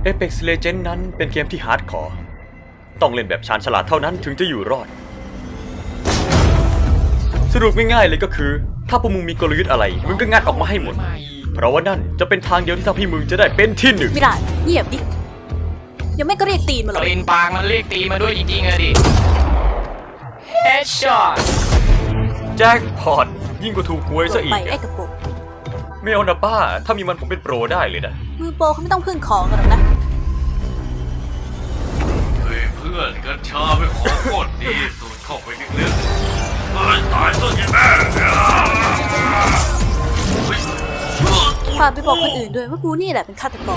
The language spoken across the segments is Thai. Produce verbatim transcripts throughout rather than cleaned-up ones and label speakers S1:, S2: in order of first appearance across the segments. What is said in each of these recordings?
S1: Apex Legends นั้นเป็นเกมที่ฮาร์ดคอร์ต้องเล่นแบบชาญฉลาดเท่านั้นถึงจะอยู่รอดสรุปง่ายๆเลยก็คือถ้าพวกมึงมีกลยุทธ์อะไรมึงก็งัดออกมาให้หมดเพราะว่านั่นจะเป็นทางเดียวที่ทำให้มึงจะได้เป็นที่หนึ่ง
S2: ไม่ได้เงียบดิยังไม่ก็เรียกตีนมาหรอก
S3: ตีนปากมันเรียกตีมาด้วยจริงๆอะดิ Headshot
S1: แจ็คพอตยิ่งกว่าถูกหวยซะอีก
S2: ไปไอ้กระโปรง
S1: ไม่เอานะป้าถ้ามีมันผมเป็นโปรได้เลยนะ
S2: มือโปรเขาไม่ต้องพึ่งของกันหรอกนะ
S4: เฮ้ยเพื่อนกัญชาเป็นของโคตรดีสูดเข้าไปลึกๆตายตายซะยังแม่
S2: ฝากไปบอกคนอื่นด้วยว่ากูนี่แหละเป็นฆาตกร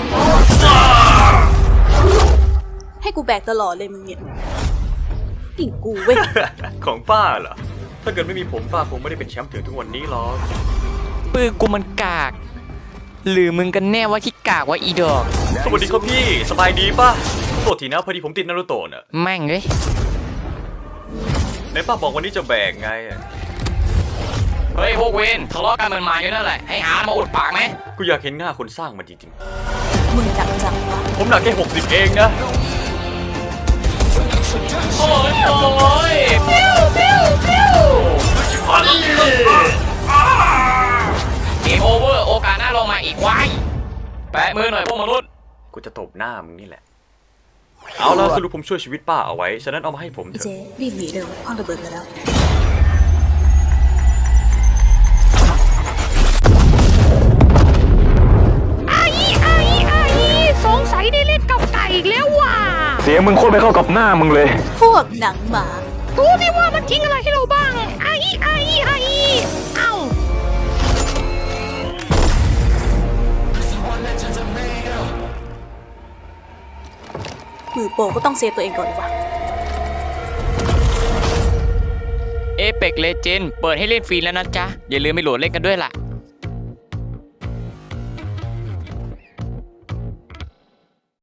S2: ให้กูแบกตลอดเลยมึงเนี่ยติ่งกูเว้ย
S1: ของป้าเหรอถ้าเกิดไม่มีผมป้าคงไม่ได้เป็นแชมป์ถึงทุกวันนี้หรอก
S3: ปืนกูมันกากหรือมึงกันแน่ว่าที่กากว่าอีดอก
S1: สวัสดีครับพี่สบายดีป่ะโทษทีนะพอดีผมติดนารูโตะน่ะ
S3: แม่งเลย
S1: ไหนป้าบอกวันนี้จะแบกไง
S3: เฮ้ยพวกเวนทะเลาะกันมันมาอยู่นั่นแหละให้หามาอุดปากไหม
S1: กูอยากเห็นหน้าคนสร้างมันจริง
S2: ๆมึงหนักจังวะ
S1: ผมหนักแค่หกสิบเองนะ
S3: โอ้ยโอ้ยปิ้วปิ้วปิ้วเกมโอเวอร์โอกาสหน้าลงมาอีกไว้แปะมือหน่อยพวกมนุษย์
S1: กูจะตบหน้ามึงนี่แหละเอาล่ะสรุปผมช่วยชีวิตป้าเอาไว้ฉะนั้นเอามาให้ผมเถอะ
S2: เจรีบหนีเร็วคว้างระเบิดแล้ว
S5: สงสัยได้เล่นกับไก่อีกแล้วว่ะ
S6: เสียงมึงโคตรไม่เข้ากับหน้ามึงเลย
S2: พวกหนังหมา
S5: ดูสิว่ามันทิ้งอะไรให้เราบ้างไอ้ไอ้ไอ้เอ้า
S2: มือโปก็ต้องเซฟตัวเองก่อนวะ
S3: Apex Legends เปิดให้เล่นฟรีแล้วนะจ๊ะอย่าลืมไปโหลดเล่นกันด้วยล่ะ